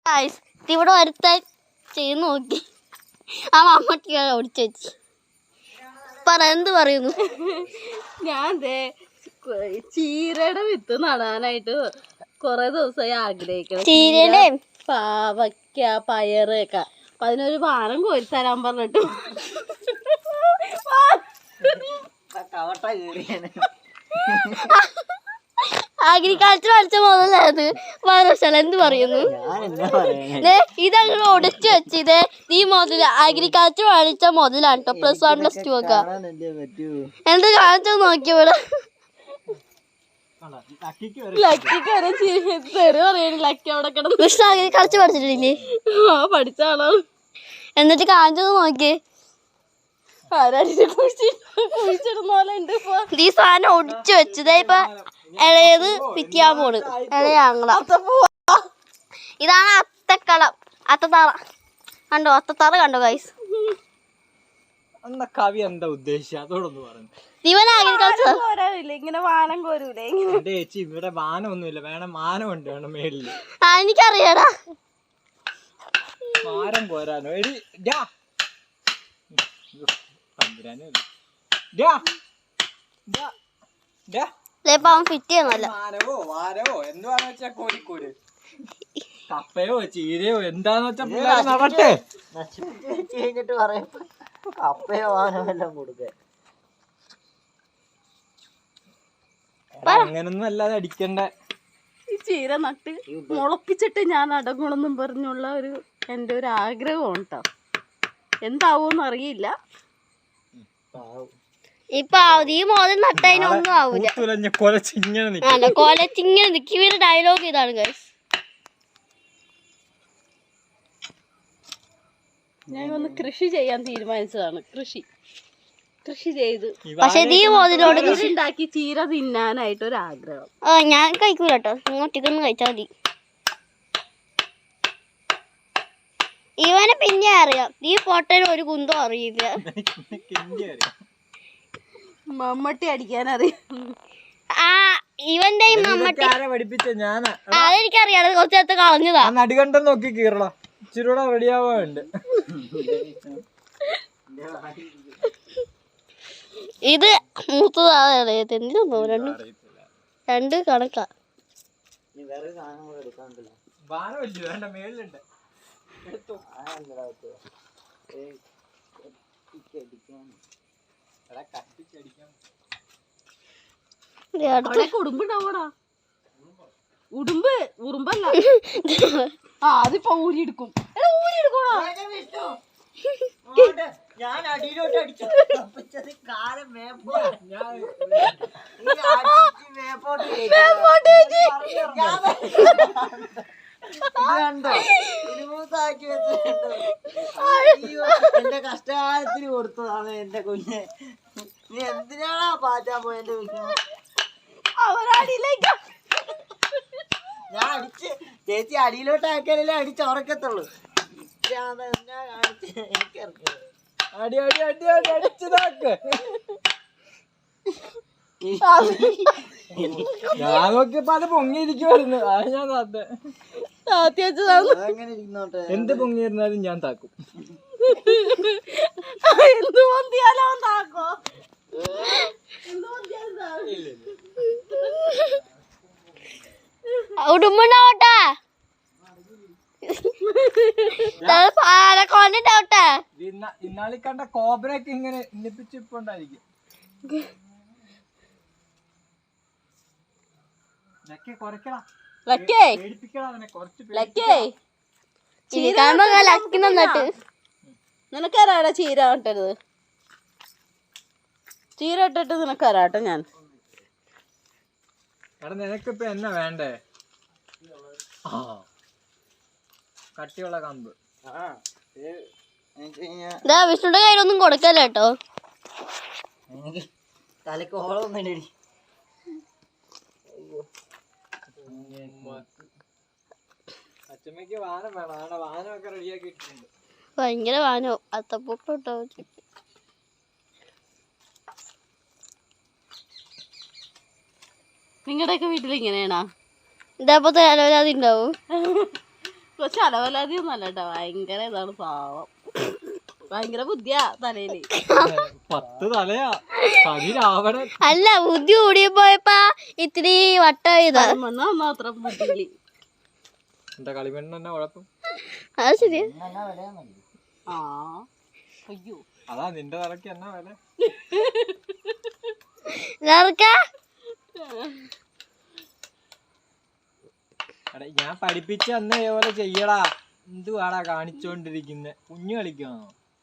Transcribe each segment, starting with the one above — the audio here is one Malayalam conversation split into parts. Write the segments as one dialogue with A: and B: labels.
A: ഇവിടെ ഒരുത്താൻ ചെയ്ത് നോക്കി ആ മമ്മൂട്ടി ഓടിച്ചു വെച്ച് എന്ത് പറയുന്നു.
B: ഞാൻ ചീരയുടെ വിത്ത് നടാനായിട്ട് കൊറേ ദിവസമായി ആഗ്രഹിക്കണം.
A: ചീരയുടെ
B: പാവയ്ക്ക പയറൊക്കെ അപ്പൊ അതിനൊരു വാനം കോരിത്തരാൻ പറഞ്ഞിട്ട്
A: അഗ്രികൾച്ചർ പഠിച്ച മുതലായത് വരശാല എന്ത് പറയുന്നു. ഇതങ്ങനെ ഒടിച്ചു വെച്ചത് ഈ മുതൽ അഗ്രികൾച്ചർ പഠിച്ച മുതലാണ് കേട്ടോ. +1 +2 ഒക്കെ എന്ത് കാണിച്ചു നോക്കിയവിടെ
B: ലക്കിക്ക് വരെ തെറി പറയണ ലക്കി അവിടെ കിടന്ന്.
A: കൃഷ്ണ അഗ്രികൾച്ചർ പഠിച്ചിട്ടില്ലേ?
B: പഠിച്ചാണോ?
A: എന്നിട്ട് കാണിച്ചത് നോക്കി
B: കുഴിച്ചിടുന്ന പോലെ ഉണ്ട്.
A: ഈ സാധനം ഒടിച്ചു വെച്ചത് ഇപ്പൊ ഇളയത് പിറ്റിയാൻ പോണ്. ഇളയാങ്ങള ഇതാണ് അത്തക്കളം. അത്തത്തറ കണ്ടോ? അത്തത്തറ കണ്ടോ ഗൈസ്?
C: കവി എന്താ ഉദ്ദേശിച്ചത് അതോടൊന്ന് പറഞ്ഞു.
A: ഇവൻ അഗ്രികൾച്ചർ
B: ഇങ്ങനെ വാനം കോരൂലേ?
C: ചേച്ചി ഇവിടെ വാനമൊന്നുമില്ല, വേണം മാനമുണ്ട്, വേണം മേളില്.
A: എനിക്കറിയാടാ
C: മാരം പോരാനോ എടി
A: അവൻ ഫിറ്റ് ചെയ്യുന്നല്ല.
C: വാരവോ എന്തുവാന്ന് വെച്ചാ കോഴിക്കോട് കപ്പയോ ചീരയോ എന്താന്ന് വെച്ചാ പിള്ളേർ നടട്ടെ.
D: കഴിഞ്ഞിട്ട് പറയുമ്പോ കപ്പയോ വാനോ എല്ലാം കൊടുക്കേ.
C: അങ്ങനൊന്നും അല്ലാതെ അടിക്കണ്ട.
B: ഈ ചീര നട്ട് മുളപ്പിച്ചിട്ട് ഞാൻ അടങ്ങണമെന്നും പറഞ്ഞുള്ള എൻ്റെ ഒരു ആഗ്രഹമാണ് കേട്ടോ. എന്താവൂന്ന് അറിയില്ല.
A: ഇപ്പൊ ഈ മോദം നട്ടതിനൊന്നും ആവൂല. കൊലച്ചിങ്ങനെ നിൽക്കുന്ന ഡയലോഗ് ഇതാണ് ഗൈസ്.
B: ഞാൻ ഒന്ന് കൃഷി ചെയ്യാൻ തീരുമാനിച്ചതാണ്. കൃഷി ചെയ്ത്
A: പക്ഷെ ഈ മോതിലോട്
B: ഉണ്ടാക്കി ചീര തിന്നാനായിട്ട് ഒരു ആഗ്രഹം.
A: ഞാൻ കഴിക്കൂല കേട്ടോ. ഇങ്ങോട്ടേക്കൊന്ന് കഴിച്ചാൽ മതി. ഇവനെ പിന്നെ അറിയാം. ഈ ഫോട്ടോയിൽ ഒരു കുന്തോ അറിയില്ല.
B: മമ്മട്ടി അടിക്കാനറിയാം.
A: ഇവന്റെ അതെനിക്കറിയാം. കുറച്ച് നേരത്തെ കളഞ്ഞതാ.
C: നടുകണ്ടം നോക്കി കീറള ഇച്ചിരൂടെ റെഡിയാവാണ്ട്.
A: ഇത് മൂത്തതാണ്. എന്തിനൊന്നോ രണ്ട് കണക്കാ.
B: ഉടുമ്പുണ്ടാവോടാ? ഉറുമ്പല്ല. അതിപ്പോ ഊരിയെടുക്കും.
D: ഞാൻ അടിയിലോട്ട് അടിച്ചു കാലം എന്റെ കഷ്ടകാലത്തിന് കൊടുത്തതാണ് എന്റെ കുഞ്ഞെ. നീ എന്തിനാണാ പാറ്റാൻ പോയെന്റെ കുഞ്ഞു? ഞാൻ അടിച്ച് ചേച്ചി അടിയിലോട്ട് ആക്കിയാലല്ലേ അടിച്ചുറക്കത്തുള്ളൂ. എനിക്കറിയാം.
C: അടി അടി അടി അടി അടിച്ചതാക്ക്. ഞാൻ നോക്കിയപ്പോ അത് പൊങ്ങിയിരിക്കുവായിരുന്നു. അത് ഞാൻ
D: അങ്ങനെ ഇരുന്നോട്ടെ.
C: എന്ത് പൊങ്ങിയിരുന്നാലും ഞാൻ താക്കും.
B: എന്ത് പൊന്തിയാലോ താക്കോ?
A: ഉടുമ്പുണ്ടാവട്ടെ.
C: ഇന്നാളി കണ്ട കോബ്രയൊക്കെ ഇങ്ങനെ ഇന്നിപ്പിച്ചിപ്പോണ്ടായിരിക്കും.
B: നിനക്കറിയാടാ ചീര ഇട്ടരുത്. ചീര ഇട്ടിട്ട് നിനക്കറിയാട്ടെ ഞാൻ.
C: എടാ നിനക്കിപ്പ എന്നാ വേണ്ടേ? കട്ടിയുള്ള കമ്പ്.
A: വിഷ്ണുടെ കയ്യിലൊന്നും കൊടുക്കല്ല കേട്ടോ.
D: തലക്ക് ഓളൊന്നും
C: അച്ഛമ്മക്ക് വാനം വേണം. വാനമൊക്കെ റെഡിയാക്കി ഇട്ടിട്ടുണ്ട്.
A: ഭയങ്കര വാനോ അത്തപ്പൂക്കം ഇട്ടോ.
B: നിങ്ങളുടെയൊക്കെ വീട്ടിൽ ഇങ്ങനെയാണോ?
A: ഇതേപോലത്തെ അലവലാതി ഉണ്ടാവും.
B: കൊച്ചു അലവലാതിയൊന്നും അല്ല കേട്ടോ, ഭയങ്കര ഇതാണ് പാവം, ഭയങ്കര ബുദ്ധിയാ തലയില്.
C: 10 തലയാ തനി രാവണൻ.
A: അല്ല ബുദ്ധി കൂടിയപ്പോയപ്പാ ഇത്തിരി വട്ടായതാ.
B: മാത്രം ബുദ്ധിയില്.
C: എന്താ കളിമണ്ണ് തന്നെ കുഴപ്പം?
A: അത് ശരിയാ.
D: എന്നാ വിലയാന്നല്ലേ?
B: ആ അയ്യോ
C: അതാ നിന്റെ തലക്ക് എന്നാ വില? ഞാൻ പഠിപ്പിച്ച അന്ന് ഇതേപോലെ ചെയ്യടാ. എന്തുവാടാ കാണിച്ചോണ്ടിരിക്കുന്നെ? കുഞ്ഞു കളിക്കാണോ?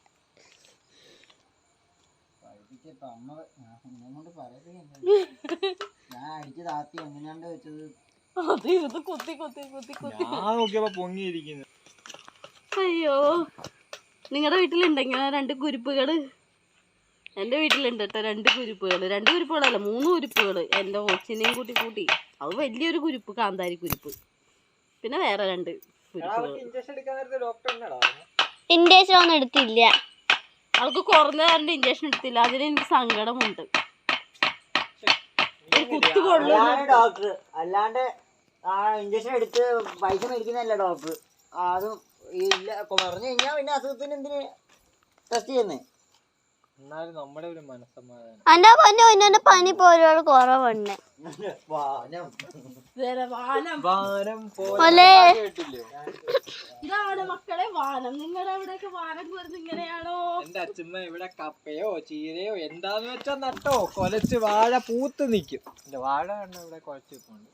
D: പഠിപ്പിച്ചപ്പോ അമ്മ എന്നെ കൊണ്ട് പറയത്തില്ല. ഞാൻ അടിച്ച് താത്തി എങ്ങനെയാണ്ട് വെച്ചത്.
B: അത് ഇത് കുത്തി കുത്തി കുത്തി കുത്തി.
C: ഞാൻ നോക്കിയപ്പോ പൊങ്ങിയിരിക്കുന്നു.
B: അയ്യോ, നിങ്ങളുടെ വീട്ടിലുണ്ട് ഇങ്ങനെ 2 കുരുപ്പുകള്? എൻ്റെ വീട്ടിലുണ്ട് കേട്ടോ 2 കുരുപ്പുകള്. 2 കുരുപ്പുകളല്ല 3 കുരുപ്പുകള്. എൻ്റെ കൊച്ചിനെയും കൂട്ടി. അത് വലിയൊരു കുരുപ്പ്, കാന്താരി കുരുപ്പ്. പിന്നെ വേറെ 2 കുരുപ്പുകൾ.
C: ഇഞ്ചക്ഷൻ എടുക്കാൻ നേരത്തെ ഡോക്ടർ എന്നാടാ?
A: ഇൻഡേഷൻ ഒന്നും എടുത്തില്ല.
B: അവൾക്ക് കുറഞ്ഞ 2 ഇഞ്ചക്ഷൻ എടുത്തില്ല. അതിന് എനിക്ക് സങ്കടമുണ്ട്. കുത്തു കൊള്ളു.
D: ഡോക്ടർ അല്ലാണ്ട് ഇഞ്ചക്ഷൻ എടുത്ത് പൈസ മേടിക്കുന്നതല്ല ഡോക്ടർ. അതും ഇല്ല പറഞ്ഞു കഴിഞ്ഞാ പിന്നെ അസുഖത്തിന് എന്തിന് ടെസ്റ്റ് ചെയ്യുന്നേ?
C: എന്നാലും നമ്മുടെ ഒരു മനസ്സമാധാനം.
A: എന്റെ പൊന്നെ പനി പോലും കുറവുണ്ട്.
B: ഇതാണ് മക്കളെ വാനം. നിങ്ങളുടെ അവിടെയൊക്കെ വാനം വരുന്നത് ഇങ്ങനെയാണോ?
C: എന്റെ അച്ഛമ്മ ഇവിടെ കപ്പയോ ചീരയോ എന്താന്ന് വെച്ചാ നട്ടോ കൊലച്ച് വാഴ പൂത്ത് നിക്കും. എന്റെ വാഴ കണ്ട ഇവിടെ കൊലച്ച് നിൽപ്പുണ്ട്.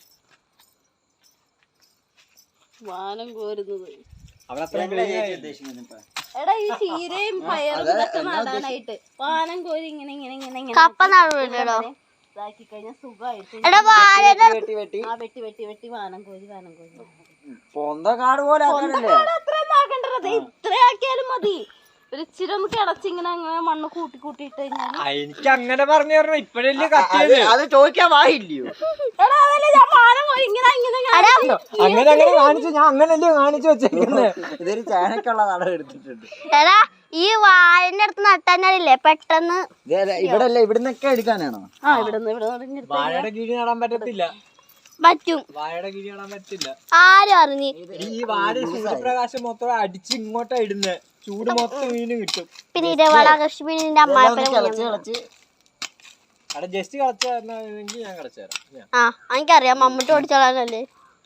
B: വാനം കോരുന്നത്.
C: അവിടെ അത്രയും
B: എടാ ഈ ചീരയും പയറും ഇതൊക്കെ നടാനായിട്ട് വാനം കോരി ഇങ്ങനെ ഇങ്ങനെ ഇങ്ങനെ ഇങ്ങനെ
A: കപ്പ നടുവില്ലടോ.
B: ഇതാക്കി കഴിഞ്ഞാൽ സുഖമായിട്ട്
D: വെട്ടി
B: ആ വെട്ടി വെട്ടി വെട്ടി വാനം കോരി
D: പൊന്ത കാട് പോലെ ആക്കാനല്ലേ?
B: അത്രയൊന്നും ആക്കണ്ടത്, ഇത്ര ആക്കിയാലും മതി. ഒരു ഇച്ചിരി ഒന്ന് കിടച്ചിങ്ങനെ അങ്ങനെ മണ്ണ് കൂട്ടി ഇട്ട് കഴിഞ്ഞാൽ.
C: എനിക്ക് അങ്ങനെ പറഞ്ഞു തരണം. ഇപ്പഴല്ലേ കത്തിയത്.
D: അത് ചോദിക്കാൻ വായില്ലയോ?
B: എടാ അതല്ലേ ഞാൻ വാനം കോരി ഇങ്ങനെ ഇങ്ങനെ
C: അങ്ങനെ കാണിച്ചു. ഞാൻ അങ്ങനല്ലേ കാണിച്ചു വെച്ചേക്കുന്നത്.
D: ഇതൊരു ചാനക്കുള്ള നടം എടുത്തിട്ടുണ്ട്.
A: എടാ ഈ വാഴന്റെ അടുത്ത് നട്ടാനല്ലേ പെട്ടെന്ന്.
D: ഇവിടെ അല്ല, ഇവിടുന്നൊക്കെ എടുക്കാനാണോ?
B: ആ ഇവിടെ
C: വാഴയുടെ കീഴി നടാൻ പറ്റത്തില്ല.
A: പറ്റും.
C: വാഴയുടെ കീഴി നടാൻ പറ്റില്ല.
A: ആരും അറിഞ്ഞ്
C: ഈ വാഴ സൂര്യപ്രകാശം മൊത്തം അടിച്ച് ഇങ്ങോട്ടാ ഇടുന്നത്. ചൂട് മൊത്തം വീണ് കിട്ടും.
A: പിന്നെ ഇരവള കൃഷിന്റെ അമ്മായിപ്പനെ
C: അവിടെ ജസ്റ്റ് കളച്ചു തരണമെങ്കിൽ ഞാൻ കളച്ചു തരാം.
A: ആ എനിക്കറിയാം, മമ്മൂട്ടി ഓടിച്ചോളാനല്ലേ.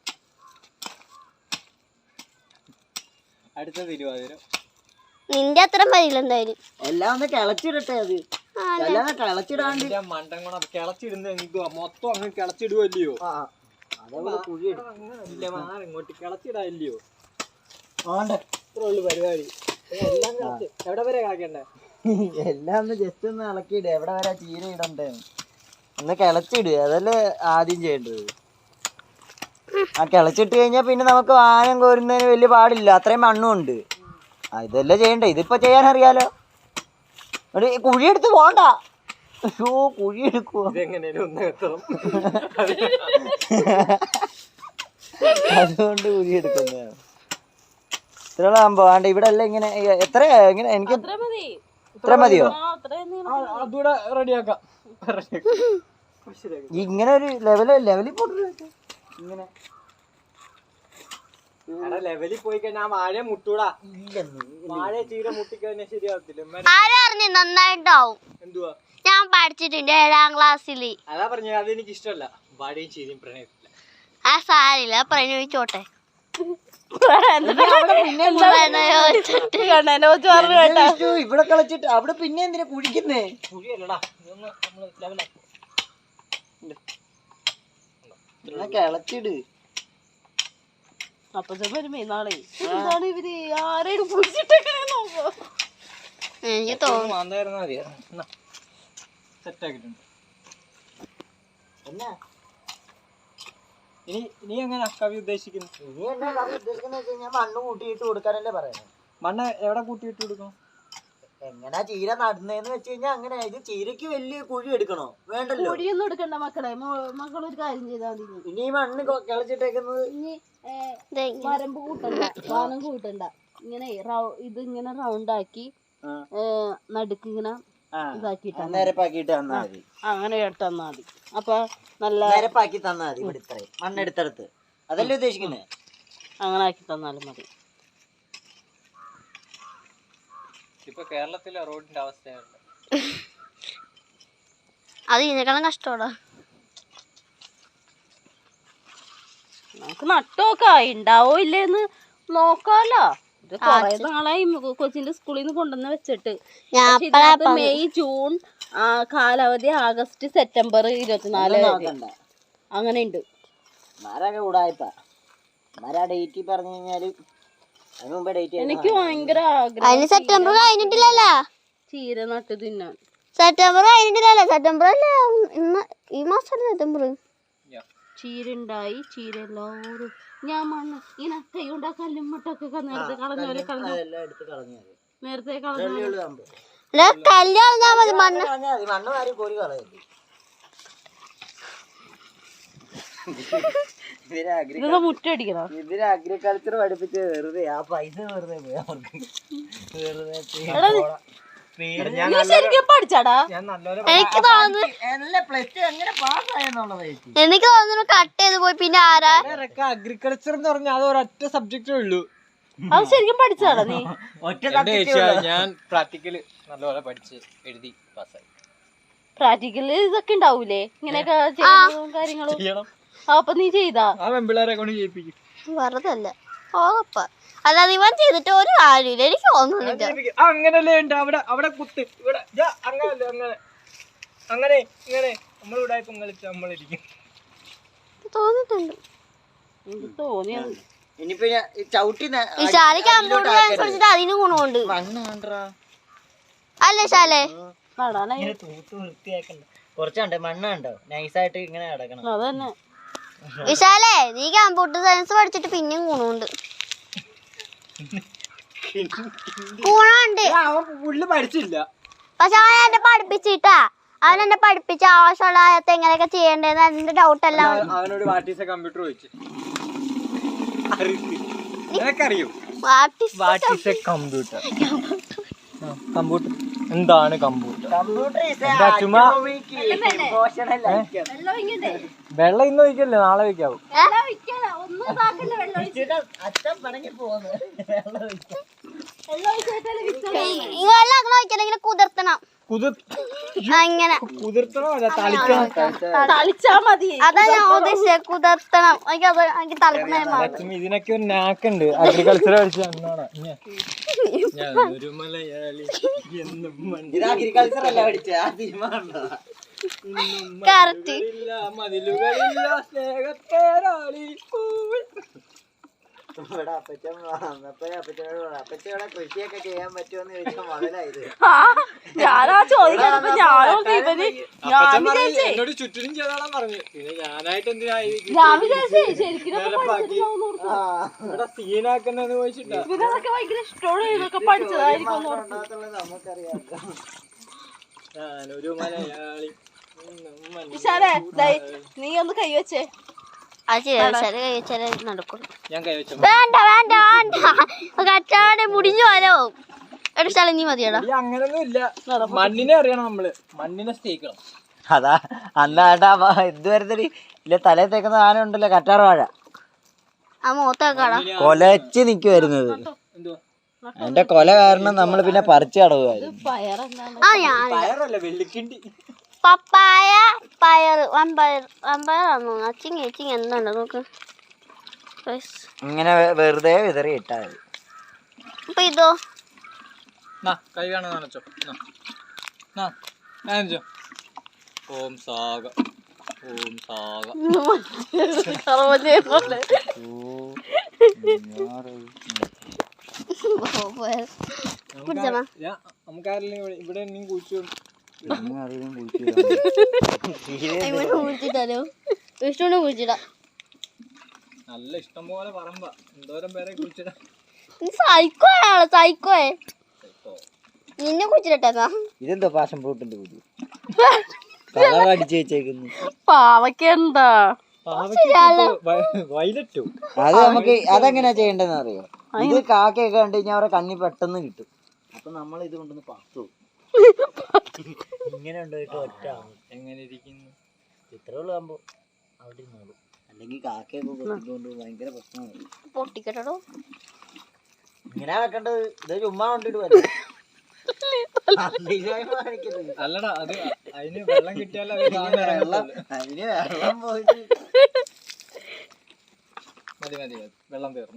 C: അടുത്ത തിരുവാതിര
A: നിന്റെ അത്ര വരില്ല എന്തായാലും.
D: എല്ലാം ഒന്ന് കിളച്ചിടട്ടെ. അത് എല്ലാം കിളച്ചിടാണ്ട്
C: മണ്ടൻ ഗുണം കിളച്ചിടുന്ന മൊത്തം അങ്ങ് കിളച്ചിടുവല്ലയോ?
D: അതേപോലെ കുഴി
C: ഇങ്ങോട്ട് കിളച്ചിടാല്ലയോ?
D: ആണ്ട്
C: ഇത്രേ ഉള്ളു പരിപാടി. എല്ലാം കിളച്ച് എവിടെ വരെ കളക്കണ്ടേ?
D: എല്ലാം ഒന്ന് ജസ്റ്റ് ഒന്ന് ഇളക്കിയിട്. എവിടെ വരെ ചീര ഇടണ്ടേ ഒന്ന് കിളച്ചിട്. അതല്ലേ ആദ്യം ചെയ്യേണ്ടത്. ആ കിളച്ചിട്ട് കഴിഞ്ഞാൽ പിന്നെ നമുക്ക് വാനം കോരുന്നതിന് വലിയ പാടില്ല. അത്രയും മണ്ണും ഉണ്ട്. ഇതല്ലേ ചെയ്യണ്ടേ? ഇതിപ്പോ ചെയ്യാൻ അറിയാലോ. കുഴിയെടുത്ത് പോണ്ട. അയ്യോ കുഴി എടുക്കുവോ? അതുകൊണ്ട് കുഴി എടുക്കുന്നതാണ്. ഇത്രയുള്ള സംഭവം ആണ്ട് ഇവിടെ അല്ല ഇങ്ങനെ. എത്ര ഇങ്ങനെ എനിക്ക് ഇത്ര മതിയോ?
C: അതുകൂടെ റെഡിയാക്കാം.
D: ഇങ്ങനെ ഒരു ലെവലിൽ പോട്ട് ഇങ്ങനെ
C: ലെവലിൽ പോയി കഴിഞ്ഞാൽ വാഴ മുട്ടൂടാ. വാഴ ചീര മുട്ടിക്കഴിഞ്ഞാൽ ശരിയാവത്തില്ല.
A: ആരും അറിഞ്ഞു നന്നായിട്ടാവും.
C: എന്തുവാ
A: ഞാൻ പഠിച്ചിട്ടുണ്ട് 7ാം ക്ലാസ്സിൽ.
C: അതാ പറഞ്ഞ അതെനിക്ക് ഇഷ്ടമല്ല. വാഴയും ചീരയും പ്രണയത്തില്ല.
A: ആ സാരില്ല, പ്രണയിച്ചോട്ടെ.
D: ഇവിടെ കളിച്ചിട്ട് അവിടെ പിന്നെ എന്തിനാ കുഴിക്കുന്നേ?
C: കുഴിയല്ലടാ,
D: കിളച്ചിട്.
B: അപ്പൊ വരുമ്പോ നാളെ എന്താണ് ഇവര് ആരെയും കുടിച്ചിട്ടൊക്കെ നോക്കോ?
A: എനിക്ക് തോന്നുന്നു
C: മാന്തായിരുന്നാ മതിയാ. സെറ്റാക്കിട്ടുണ്ട്.
D: എന്നാ
C: ഇനി എങ്ങനെ കവി ഉദ്ദേശിക്കുന്നു?
D: ഇനി എന്നാ കവി ഉദ്ദേശിക്കുന്ന വെച്ച് കഴിഞ്ഞാൽ മണ്ണ് കൂട്ടിയിട്ട് കൊടുക്കാനല്ലേ പറയുന്നത്.
C: മണ്ണ് എവിടെ കൂട്ടിയിട്ട് കൊടുക്കണം?
D: എങ്ങനാ ചീര നടുന്നേന്ന് വെച്ച് കഴിഞ്ഞാൽ അങ്ങനെ. ഇത് ചീരക്ക് വലിയ കുഴി എടുക്കണോ? വേണ്ടല്ലോ.
B: കുഴിയൊന്നും എടുക്കണ്ട മക്കളെ. മക്കളൊരു കാര്യം ചെയ്താൽ മതി.
D: ഇനി ഈ മണ്ണ് കിളച്ചിട്ടേക്കുന്നത്
B: ഇനി വരമ്പ് കൂട്ടണ്ട, വാനം കൂട്ടണ്ട. ഇങ്ങനെ ഇത് ഇങ്ങനെ റൗണ്ട് ആക്കി നടുക്ക് ഇങ്ങനെ ഇതാക്കിട്ട്
D: നിരപ്പാക്കിട്ട് തന്നാ മതി.
B: അങ്ങനെ ഇട്ട് തന്നാ മതി. അപ്പൊ നല്ല
D: നിരപ്പാക്കി തന്നാ മതി. ഇവിടെ ഇത്രയും മണ്ണെടുത്തെടുത്ത് അതല്ലേ ഉദ്ദേശിക്കുന്നേ?
B: അങ്ങനെ ആക്കി തന്നാലും മതി.
C: ഇപ്പൊ കേരളത്തിലെ റോഡിന്റെ അവസ്ഥയാണ്.
A: അത് ഇതിനേക്കാളും കഷ്ടമാടാ.
B: നമുക്ക് നട്ടോക്കാം, ഉണ്ടാവോ ഇല്ലേന്ന് നോക്കാലോ. ഇത് കൊറേ നാളായി കൊച്ചിന്റെ സ്കൂളിൽ നിന്ന് കൊണ്ടുവന്ന് വെച്ചിട്ട്. മെയ് ജൂൺ കാലാവധി ആഗസ്റ്റ് സെപ്റ്റംബർ 24 അങ്ങനെ ഉണ്ട്. എനിക്ക് ഭയങ്കര ആഗ്രഹം
A: സെപ്റ്റംബർ കഴിഞ്ഞിട്ടില്ലല്ലോ.
B: ചീര നട്ട് തിന്നാൻ.
A: സെപ്റ്റംബർ കഴിഞ്ഞിട്ടില്ലല്ലോ. സെപ്റ്റംബർ അല്ലേ ഈ മാസം സെപ്റ്റംബർ.
B: ചീര ഉണ്ടായി. ചീര എല്ലാവരും ഞാൻ മണ്ണ് ഇങ്ങനെ കൈ കൊണ്ടാ കല്ലുമ്മട്ടൊക്കെ നേരത്തെ കളഞ്ഞ പോലെ കളഞ്ഞു. നേരത്തെ കളഞ്ഞു
A: കല്യാണം മതി. മണ്ണ്
B: ഇതൊക്കെ മുറ്റടിക്കണം.
D: ഇതിന് അഗ്രികൾച്ചർ പഠിപ്പിച്ച് വെറുതെ ആ പൈസ വെറുതെ പോയി അവർക്ക്.
B: ശരിക്കും പഠിച്ചാടാ.
A: എനിക്ക് തോന്നുന്നു എനിക്ക് തോന്നുന്നു കട്ട് ചെയ്ത് പോയി. പിന്നെ ആരാ
C: അഗ്രികൾച്ചർ എന്ന് പറഞ്ഞാൽ അത് ഒരൊറ്റ സബ്ജക്റ്റേ ഉള്ളൂ.
B: അത് ശരിക്കും പഠിച്ചാടാ നീ?
C: ഞാൻ പ്രാക്ടിക്കല് നല്ലപോലെ പഠിച്ച് എഴുതി പാസ്സായി.
B: പ്രാക്ടിക്കല് ഇതൊക്കെ ഉണ്ടാവൂലേ ഇങ്ങനെയൊക്കെ ചെയ്യുന്നതും കാര്യങ്ങളും? അപ്പൊ നീ ചെയ്താ?
C: ആ പെമ്പിള്ളേരെ കൊണ്ട് ചെയ്യിപ്പിക്കും.
A: വെറുതെ അല്ല ഓപ്പ. അല്ലാതെ ഇവൻ ചെയ്തിട്ട് ഒരു കാര്യമില്ല. എനിക്ക് തോന്നുന്നില്ല.
C: അങ്ങനല്ലേ ഉണ്ട്. അവിടെ കുത്ത് ഇവിടെ അങ്ങനല്ലേ അങ്ങനെ ഇങ്ങനെ നമ്മളിവിടെ ഇപ്പം കളിച്ച് നമ്മളിരിക്കും.
A: തോന്നിട്ടുണ്ട്.
B: എനിക്ക് തോന്നിയത്
D: ഇനിയിപ്പോ ചവിട്ടി
A: വിശാല് കമ്പ്യൂട്ടർ സയൻസ് പഠിച്ചിട്ട് അതിന് ഗുണമുണ്ട് അല്ലേ ശാലേ?
D: തൂത്ത് വൃത്തിയാക്കണ്ട. കുറച്ചുണ്ട് മണ്ണ് കണ്ടോ നൈസായിട്ട് ഇങ്ങനെ കിടക്കണം.
B: അതന്നെ
A: വിശാലേ, നീ കമ്പ്യൂട്ടർ സയൻസ് പഠിച്ചിട്ട് പിന്നെയും ഗുണമുണ്ട്. ഗുണമുണ്ട്.
C: അവൻ പുള്ളി പഠിച്ചില്ല.
A: പക്ഷെ അവൻ എന്നെ പഠിപ്പിച്ചിട്ടാ. അവൻ എന്നെ പഠിപ്പിച്ച ആവശ്യമുള്ള എങ്ങനെയൊക്കെ ചെയ്യേണ്ടതെന്ന് അതിന്റെ ഡൗട്ട് എല്ലാം
C: അവനോട് വാട്ട് ഈസ് എ കമ്പ്യൂട്ടർ ചോദിച്ചു. നിനക്കറിയോ what is a computer? Computer എന്താണ്? കമ്പ്യൂട്ടർ വെള്ളം ഇന്ന് വയ്ക്കല്ലേ, നാളെ വയ്ക്കാവും.
A: കുതിർത്തണം. അങ്ങനെ
B: തളിച്ചാ മതി.
A: അതാ ഞാൻ ഉദ്ദേശിച്ചത്. കുതിർത്തണം. എനിക്ക് തളിക്കുന്ന
C: ഇതിനൊക്കെ ഒരു നാക്കുണ്ട്. അഗ്രികൾച്ചർ പഠിച്ച ഞാനൊരു മലയാളി
D: അഗ്രികൾച്ചർ അല്ല പഠിച്ച
A: കറക്റ്റ്.
C: മതിലുകളില്ല സ്നേഹത്തേരാളി.
D: ഇവിടെ അപ്പച്ചൻ അപ്പച്ചനോട് അപ്പച്ചോടെ കൃഷിയൊക്കെ ചെയ്യാൻ പറ്റുമെന്ന് ചോദിച്ചാൽ മുതലായത്.
B: ഞാനാ ചോദിക്കാനപ്പോ
C: എന്നോട് ചുറ്റിനും ചെയ്തോളാൻ പറഞ്ഞു. പിന്നെ ഞാനായിട്ട് എന്തിനായി ഇവിടെ സീനാക്കണ്ടെന്ന് ചോദിച്ചിട്ടാ.
B: ഇതൊക്കെ ഭയങ്കര ഇഷ്ടമാണ്. ഇതൊക്കെ പഠിച്ചതായിരിക്കും
D: നമുക്കറിയാം.
C: ഞാനൊരു മലയാളി.
B: നീ ഒന്ന് കൈവച്ചേ.
A: നടക്കും.
C: ഞാൻ കൈവച്ചു.
A: വേണ്ട വേണ്ട വേണ്ട. കച്ചാടെ മുടിഞ്ഞു പോലോ. ഒരു സ്ഥലം നീ മതിയടാ.
C: അങ്ങനൊന്നും ഇല്ല. മണ്ണിനെ അറിയണം നമ്മള്. മണ്ണിനെ സ്നേഹിക്കണം.
D: അതാ അന്നാട്ടാ ഇതുവരത്തെ ഇല്ല തലയിൽ തേക്കുന്ന സാധനം ഉണ്ടല്ലോ കറ്റാർ വാഴ.
A: ആ മുഖത്തേക്കാടാ
D: കൊലച്ച് നിക്കുവായിരുന്നത്. അതിന്റെ കൊല കാരണം നമ്മൾ പിന്നെ പറിച്ചു കടവുമായിരുന്നു.
C: പയറല്ല വെള്ളിക്കിണ്ടി.
A: പപ്പായ പയറ് വമ്പയറാണോ? അച്ചിങ്ങ എന്തുണ്ട് നോക്ക്.
D: ഇങ്ങനെ വെറുതെ വിതറി ഇട്ടാ മതി.
A: അപ്പൊ ഇതോ
C: കൈ കാണാൻ നനച്ചോ. നനച്ചോ. ഓം സാഗ ഓം സാഗ. നമുക്കാരെങ്കിലും ഇവിടെ എന്തെങ്കിലും കുഴിച്ചു നല്ല ഇഷ്ടം പോലെ പറമ്പ. എന്തോരം പേരെ കുഴിച്ചിടാ.
A: സൈക്കോയെ നിന്നെ കുഴിച്ചിട്ടാ.
D: ഇതെന്തോ പാഷൻ ഫ്രൂട്ടിന്റെ കുരു കളർ അടിച്ചു വെച്ചേക്കുന്നു.
B: പാവക്കെന്താ
C: വൈലറ്റോ?
D: അത് നമുക്ക് അതെങ്ങനെയാ ചെയ്യേണ്ടതെന്ന് അറിയോ? ഇത് കാക്കയൊക്കെ കണ്ടു കഴിഞ്ഞാൽ അവരെ കണ്ണി പെട്ടെന്ന് കിട്ടും. അപ്പൊ നമ്മൾ ഇത് കൊണ്ടൊന്ന് പത്തു ഇങ്ങനെ ഉണ്ടായിട്ട് ഒറ്റ എങ്ങനെ ഇരിക്കുന്നു. ഇത്രേ ഉള്ളു ആകുമ്പോ അവിടെ ഇരുന്നോളൂ. അല്ലെങ്കിൽ കാക്കയൊക്കെ കൊത്തിക്കൊണ്ട് ഭയങ്കര പ്രശ്നമാണ്.
A: പൊട്ടിക്കട്ടോ.
D: ഇങ്ങനെ വെക്കേണ്ടത്. ഇത് ചുമ്മാ കൊണ്ടിട്ട് വരും.
C: അല്ലടാ അത് അതിന് വെള്ളം കിട്ടിയാലും
D: അതിന് വെള്ളം പോയിട്ട്
C: മതി വെള്ളം തീർന്നു.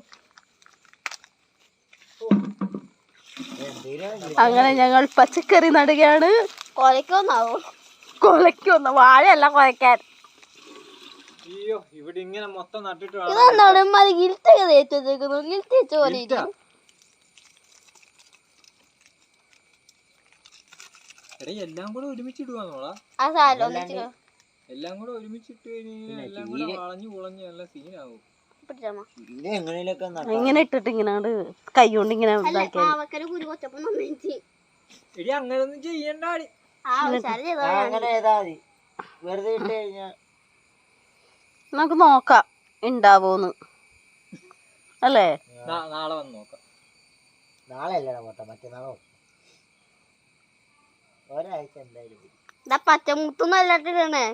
B: അങ്ങനെ ഞങ്ങൾ പച്ചക്കറി നടുകയാണ്.
A: കൊലക്കൊന്നാവോ?
B: കൊലയ്ക്കൊന്ന വാഴയല്ല കൊലയ്ക്കാൻ.
C: അയ്യോ ഇവിടെ ഇങ്ങനെ മൊത്തം നട്ടിട്ട്
A: ഇതെന്താണ് മതി ഗിൽറ്റൊക്കെ തേച്ച് വെച്ചേക്കുന്നു? ഗിൽറ്റ് വെച്ച പോലെ ഇരിക്കും.
C: എടാ എല്ലാം കൂടെ ഒരുമിച്ചിടുവാന്നോളാ.
A: ആ സാധനം ഒന്നിച്ചിട്ടോ.
C: എല്ലാം കൂടെ ഒരുമിച്ചിട്ട് കഴിഞ്ഞാൽ എല്ലാം കൂടെ വളഞ്ഞു കുളഞ്ഞ് നല്ല സീനാവും.
D: പിന്നെ എങ്ങനെയൊക്കെ
B: ഇങ്ങനെ ഇട്ടിട്ട് ഇങ്ങനെ കൈ കൊണ്ട് ഇങ്ങനെ
C: എടി അങ്ങനൊന്നും ചെയ്യണ്ടാടി.
D: അങ്ങനെ ചെയ്താ മതി. വെറുതെ ഇട്ട് കഴിഞ്ഞാ
B: നമുക്ക് നോക്കാം ഉണ്ടാവോന്ന് അല്ലേ.
C: നാളെ വന്ന് നോക്കാം.
D: നാളെ അല്ലടാ പോട്ടെ, മറ്റന്നാളോ. ഒരാഴ്ച എന്തായാലും
A: പച്ചമുത്തുന്നല്ലേ.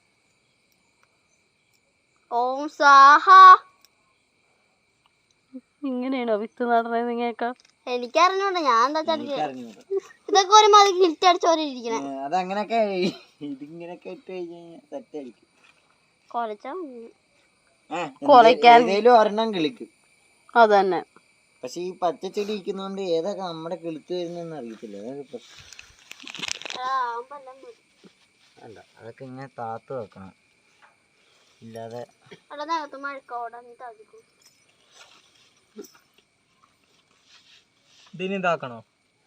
A: ഓം സാഹ.
B: ഇങ്ങനെയാണോ വിത്ത് നടണത്? നിങ്ങൾക്കാ
A: എനിക്കറിഞ്ഞോട്ടെ, ഞാൻ എന്താ ഇതൊക്കെ ഒരു മതി ഗിൽറ്റ് അടിച്ചോരെ ഇരിക്കണേ.
D: അതങ്ങനൊക്കെ ഇതിങ്ങനൊക്കെ ഇട്ട് കഴിഞ്ഞാൽ സെറ്റായിരിക്കും.
B: കൊലയ്ക്കാൻ
D: ഒരെണ്ണം കിളിക്കും.
B: അതന്നെ.
D: പക്ഷെ ഈ പച്ചച്ചെടി ഇരിക്കുന്നോണ്ട് ഏതൊക്കെ നമ്മുടെ കിളുത്ത് വരുന്നെന്ന് അറിയത്തില്ല. അല്ല അതൊക്കെ ഇങ്ങനെ താത്ത് വെക്കണം. ഇല്ലാതെ
C: ഇതിനി താക്കണോ?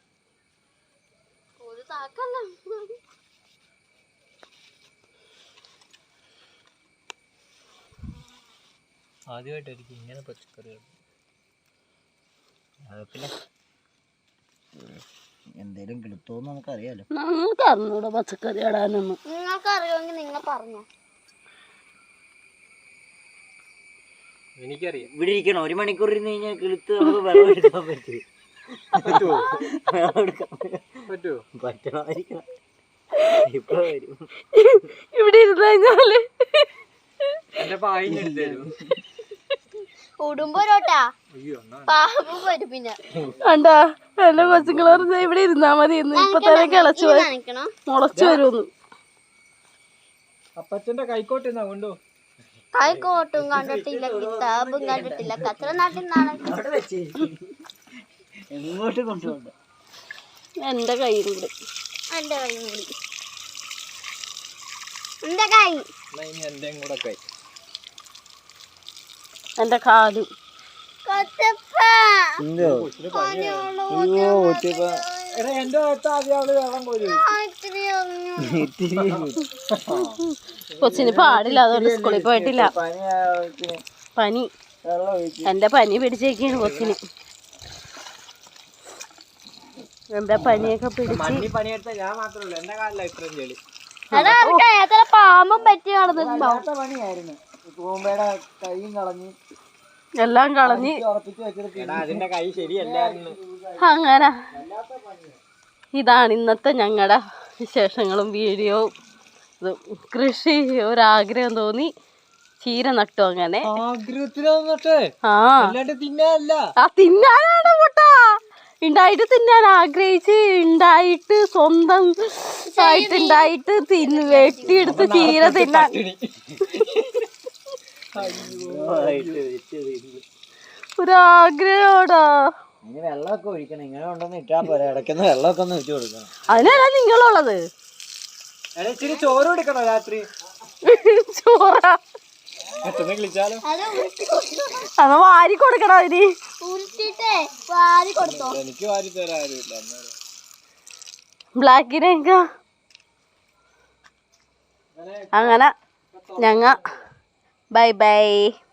C: ആദ്യമായിട്ടായിരിക്കും ഇങ്ങനെ പച്ചക്കറികൾ.
D: പിന്നെ എന്തേലും കിളുത്തോന്ന് നമുക്കറിയാലോ.
B: നമുക്ക് അറിഞ്ഞൂടെ പച്ചക്കറി ഇടാനൊന്നും.
A: നിങ്ങൾക്ക് അറിയുമെങ്കിൽ നിങ്ങൾ പറഞ്ഞോ.
C: എനിക്കറിയാം.
D: ഇവിടെ ഇരിക്കണം 1 മണിക്കൂർ ഇരുന്ന് കഴിഞ്ഞാൽ കിളുത്ത് നമുക്ക് വെള്ളം എടുക്കാൻ പറ്റും. പറ്റണമായിരിക്കണം. ഇപ്പൊ വരും.
B: ഇവിടെ ഇരുന്ന് കഴിഞ്ഞാല്
C: എന്റെ പായിഞ്ഞെടുത്തു
A: ഉടുമ്പോരോട്ടാ പാമ്പ് വരും. പിന്നെ
B: കണ്ടാ എന്റെ കൊച്ചുങ്ങളെ ഇവിടെ ഇരുന്നാ മതി. ഇപ്പൊ തന്നെ കിളച്ചു മുളച്ചു വരുമെന്ന്.
C: അപ്പച്ചന്റെ കൈക്കോട്ട് എന്നാ കൊണ്ടോ.
A: കൈക്കോട്ടും കണ്ടിട്ടില്ല, കിതാബും കണ്ടിട്ടില്ല. കച്ചറ നാട്ടിൽ
D: എങ്ങോട്ട് കൊണ്ടുപോകണ്ട.
B: എന്റെ കൈയും കൂടി.
A: എന്റെ കൈയും കൂടി. എന്റെ കൈ.
C: എന്റെയും കൂടെ കൈ.
B: എന്റെ കാലും.
C: എന്റെ വെള്ളം പോലും
B: കൊച്ചിന് പാടില്ല, അതുകൊണ്ട് സ്കൂളിൽ പോയിട്ടില്ല. പനി. എന്റെ പനി പിടിച്ചേക്കാണ് കൊച്ചിന്. എന്റെ പനിയൊക്കെ പിടിച്ച്
C: പണിയെടുത്ത ഞാൻ മാത്രമല്ല, എന്റെ കാലില ഇത്രയും ചെളി.
A: പാമ്പും പറ്റി നടന്നിട്ടുണ്ടാവും.
D: പണിയായിരുന്നു. തൂമ്പയുടെ കൈയും കളഞ്ഞ്
B: എല്ലാം കളഞ്ഞ്
C: അതിന്റെ കൈ ശരിയല്ലായിരുന്നു.
B: അങ്ങനെ ഇതാണ് ഇന്നത്തെ ഞങ്ങളുടെ വിശേഷങ്ങളും വീഡിയോവും. ഇത് കൃഷി ഒരാഗ്രഹം തോന്നി ചീര നട്ടു. അങ്ങനെ തിന്നാനാണ് മുട്ട ഉണ്ടായിട്ട് തിന്നാൻ ആഗ്രഹിച്ച് ഉണ്ടായിട്ട് സ്വന്തം ആയിട്ട് ഉണ്ടായിട്ട് വെട്ടിയെടുത്ത് ചീര തിന്നാൻ ഒരാഗ്രഹോടാ.
D: വെള്ളമൊക്കെ ഒഴിക്കണം. ഇങ്ങനെ കൊണ്ടൊന്ന് ഇട്ടാ പോരാ, ഇടയ്ക്കൊന്ന് വെള്ളമൊക്കെ ഒന്ന് വെച്ച് കൊടുക്കണം.
B: അതിനല്ല നിങ്ങളുള്ളത്.
C: ചോറ് കൊടുക്കണോ രാത്രി?
B: ചോറാ
C: വിളിച്ചാലോ?
B: അത് വാരി കൊടുക്കണം അതിന്.
C: എനിക്ക് വാരി തരാറില്ല.
B: ബ്ലാക്കിനൊക്കെ അങ്ങനെ ഞങ്ങ ബൈ ബൈ.